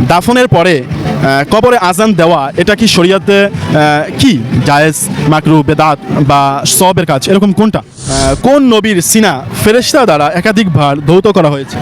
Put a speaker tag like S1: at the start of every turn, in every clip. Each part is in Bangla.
S1: দাফনের পরে কবরে আজান দেওয়া এটা কি শরীয়তে কি জায়েজ, মাকরু, বেদাত বা সওয়াবের কাজ, এরকম কোনটা? কোন নবীর সিনা ফেরেশতা দ্বারা একাধিকবার ধৌত করা হয়েছে?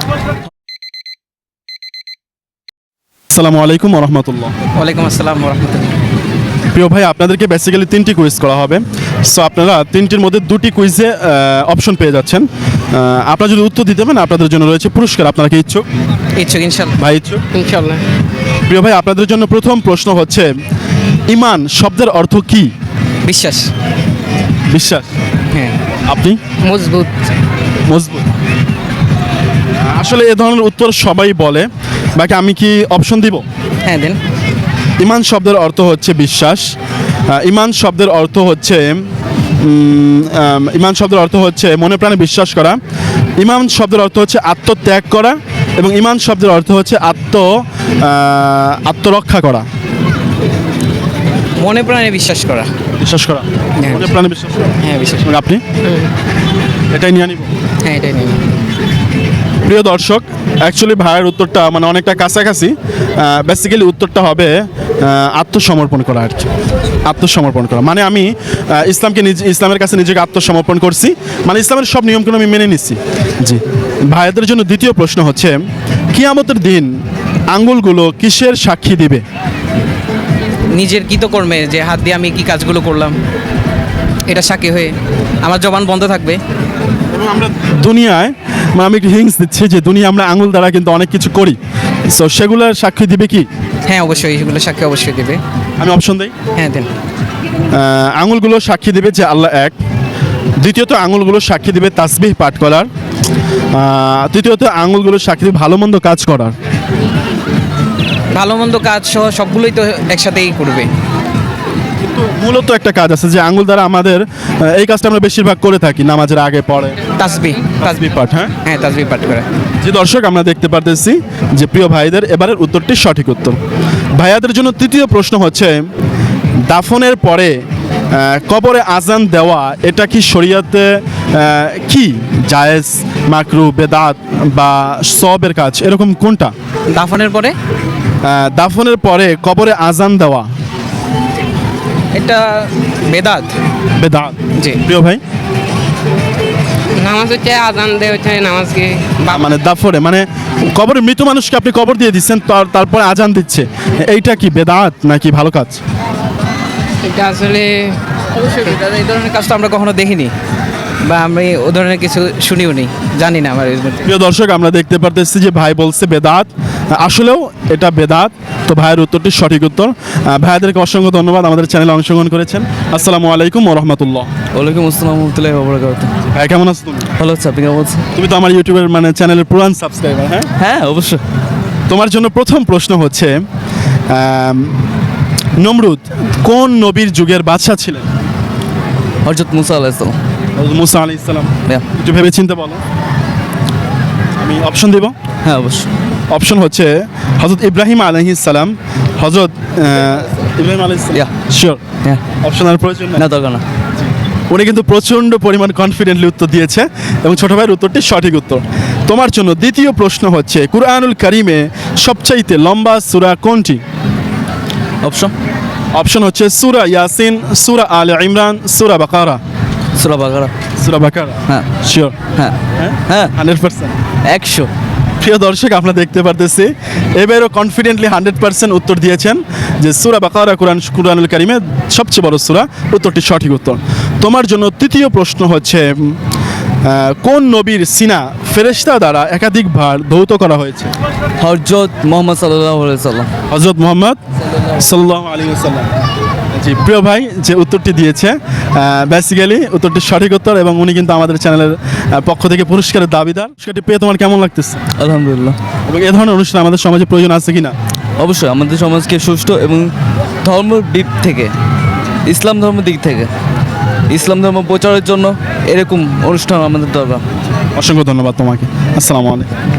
S1: আসসালামু আলাইকুম ওয়া রাহমাতুল্লাহ।
S2: ওয়ালাইকুম আসসালাম ওয়া রাহমাতুল্লাহ।
S1: প্রিয় ভাই, আপনাদেরকে বেসিক্যালি 3টি কুইজ করা হবে। সো আপনারা 3টির মধ্যে 2টি কুইজে অপশন পেয়ে যাচ্ছেন। আপনারা যদি উত্তর দিতে পারেন আপনাদের জন্য রয়েছে পুরস্কার। আপনারা কি ইচ্ছুক?
S2: ইচ্ছুক ইনশাআল্লাহ।
S1: ভাই ইচ্ছুক?
S2: ইনশাআল্লাহ।
S1: প্রিয় ভাই, আপনাদের জন্য প্রথম প্রশ্ন হচ্ছে, ঈমান শব্দের অর্থ কি?
S2: বিশ্বাস।
S1: বিশ্বাস।
S2: হ্যাঁ।
S1: আপনি?
S2: মজবুত।
S1: মজবুত। আসলে এ ধরনের উত্তর সবাই বলে, বাকি আমি কি অপশন দিব?
S2: হ্যাঁ দেন।
S1: ঈমান শব্দের অর্থ হচ্ছে বিশ্বাস। ঈমান শব্দের অর্থ হচ্ছে ঈমান শব্দের অর্থ হচ্ছে মনে প্রাণে বিশ্বাস করা। ঈমান শব্দের অর্থ হচ্ছে আত্মত্যাগ করা, এবং ঈমান শব্দের অর্থ হচ্ছে আত্মরক্ষা করা।
S2: মনে প্রাণে বিশ্বাস করা।
S1: বিশ্বাস করা,
S2: হ্যাঁ।
S1: মনে প্রাণে বিশ্বাস করা।
S2: হ্যাঁ বিশ্বাস।
S1: এবং আপনি? এটাই নিয়ে নিব।
S2: হ্যাঁ এটাই নেই।
S1: প্রিয় দর্শক, অ্যাকচুয়ালি ভাইয়ের উত্তরটা মানে অনেকটা কাছাকাছি। বেসিক্যালি উত্তরটা হবে আত্মসমর্পণ করা আর কি। আত্মসমর্পণ করা মানে আমি ইসলামের কাছে নিজেকে আত্মসমর্পণ করছি, মানে ইসলামের সব নিয়মগুলো আমি মেনে নিচ্ছি। জি। ভাইদের জন্য দ্বিতীয় প্রশ্ন হচ্ছে, কিয়ামতের দিন আঙ্গুলগুলো কিসের সাক্ষী দিবে?
S2: নিজের কৃতকর্মে যে হাত দিয়ে আমি কি কাজগুলো করলাম এটা সাক্ষী হয়ে আমার জবান বন্ধ থাকবে।
S1: এবং আমরা দুনিয়ায়, মানে আমি একটু হিংস দিচ্ছি যে দুনিয়া আমরা আঙ্গুল দ্বারা কিন্তু অনেক কিছু করি। সো সেগুলোর সাক্ষী দিবে কি?
S2: হ্যাঁ অবশ্যই এগুলো সাক্ষী অবশ্যই দেবে।
S1: আমি অপশন দিই।
S2: হ্যাঁ দেন।
S1: আঙুলগুলো সাক্ষী দেবে যে আল্লাহ এক। দ্বিতীয়ত আঙুলগুলো সাক্ষী দেবে তাসবিহ পাঠ করার। তৃতীয়ত আঙুলগুলো সাক্ষী দেবে ভালো মন্দ কাজ করার।
S2: ভালো মন্দ কাজ সহ সবগুলোই তো একসাথেই করবে।
S1: কিন্তু মূলত একটা কাজ আছে যে আঙুল দ্বারা আমাদের এই কাজটা আমরা বেশিরভাগ করে থাকি নামাজের আগে পরে,
S2: তাসবিহ।
S1: তাসবিহ পাঠ। হ্যাঁ
S2: হ্যাঁ তাসবিহ পাঠ করে।
S1: যে দর্শক, আমরা দেখতে পারতেছি যে প্রিয় ভাইদের এবারের উত্তরটি সঠিক উত্তর। ভাইয়াদের জন্য তৃতীয় প্রশ্ন হচ্ছে, দাফনের পরে কবরে আজান দেওয়া এটা কি শরীয়তে কি জায়েজ, মাকরু, বেদাত বা সওয়াবের কাজ, এরকম কোনটা?
S2: দাফনের পরে?
S1: দাফনের পরে কবরে আজান দেওয়া
S2: এটা বেদাত।
S1: বেদাত।
S2: জি।
S1: প্রিয় ভাই?
S3: নামাজ হচ্ছে আজান দেয় হচ্ছে নামাজকে
S1: মানে দাফনে মানে কবরে মৃত মানুষকে আপনি কবর দিয়ে দিচ্ছেন, তারপরে আজান দিচ্ছে, এইটা কি বেদাত নাকি ভালো কাজ?
S3: এটা আসলে
S2: অবশ্যই বেদাত। এই ধরনের কাজ তো আমরা কখনো দেখিনি বা আমি ও ধরনের কিছু শুনিও নি, জানি না আমার।
S1: প্রিয় দর্শক, আমরা দেখতে পারতেছি যে ভাই বলছে বেদাত, আসলেও এটা বেদাত। তো ভাইয়ের উত্তরটি সঠিক উত্তর। ভাইয়াদেরকে অসংখ্য ধন্যবাদ আমাদের চ্যানেলে অংশগ্রহণ করেছেন। আসসালামু আলাইকুম ওয়া রাহমাতুল্লাহ।
S4: ওয়ালাইকুম আসসালাম ওয়া রাহমাতুল্লাহি ওয়া বারাকাতুহু।
S1: ভাই কেমন আছো তুমি?
S4: ভালো আছি, আপনি কেমন আছেন?
S1: তুমি তো আমার ইউটিউবের মানে চ্যানেলের পুরান সাবস্ক্রাইবার। হ্যাঁ
S4: হ্যাঁ অবশ্যই।
S1: তোমার জন্য প্রথম প্রশ্ন হচ্ছে, নমরুদ কোন নবীর যুগের বাদশা ছিলেন?
S4: হযরত মুসা আলাইহিস সালাম।
S1: মুসা আলাইহিস সালাম।
S4: Yeah.
S1: একটু ভেবে চিন্তে বলো। আমি অপশন দিব।
S4: হ্যাঁ অবশ্যই।
S1: অপশন হচ্ছে হযরত ইব্রাহিম আলাইহিস সালাম, হযরত ইব্রাহিম আলাইহিস সালাম।
S4: Yeah.
S1: শিওর?
S4: হ্যাঁ।
S1: অপশন আর প্রয়োজন
S4: না
S1: নেই।
S4: দরকার না।
S1: উনি কিন্তু প্রচণ্ড পরিমাণ কনফিডেন্টলি উত্তর দিয়েছে এবং ছোট ভাইয়ের উত্তরটি সঠিক উত্তর। তোমার জন্য দ্বিতীয় প্রশ্ন হচ্ছে, কুরআনুল কারিমে সবচাইতে লম্বা সূরা কোনটি?
S4: অপশন?
S1: অপশন হচ্ছে সূরা ইয়াসিন, সূরা আলে ইমরান, সূরা বাকারা।
S4: সূরা বাকারা।
S1: সূরা বাকারা।
S4: হ্যাঁ।
S1: শিওর?
S4: হ্যাঁ হ্যাঁ
S1: 100%।
S4: 100।
S1: প্রিয় দর্শক, আমরা দেখতে পারতেছি এবারও কনফিডেন্টলি 100% উত্তর দিয়েছেন যে সূরা বাকারা কুরআনুল কারিমে সবচেয়ে বড় সূরা। উত্তরটি সঠিক উত্তর। তোমার জন্য তৃতীয় প্রশ্ন হচ্ছে, কোন নবীর সিনা ফেরেশতা দ্বারা একাধিকবার ধৌত করা হয়েছে?
S4: হযরত মুহাম্মদ সাল্লাল্লাহু আলাইহি সাল্লাম।
S1: হযরত মুহাম্মদ সাল্লাল্লাহু আলাইহি ওয়াসাল্লাম। জি, প্রিয় ভাই যে উত্তরটি দিয়েছে বেসিক্যালি উত্তরটি সঠিক উত্তর, এবং উনি কিন্তু আমাদের চ্যানেলের পক্ষ থেকে পুরস্কারের দাবিদার। পুরস্কারটি পেয়ে তোমার কেমন লাগতেছে?
S4: আলহামদুলিল্লাহ।
S1: এবং এ ধরনের অনুষ্ঠান আমাদের সমাজে প্রয়োজন আছে কিনা?
S4: অবশ্যই আমাদের সমাজকে সুষ্ঠু এবং ধর্মের দিক থেকে, ইসলাম ধর্মের দিক থেকে, ইসলাম ধর্ম প্রচারের জন্য এরকম অনুষ্ঠান আমাদের দরকার।
S1: অসংখ্য ধন্যবাদ তোমাকে। আসসালামু আলাইকুম।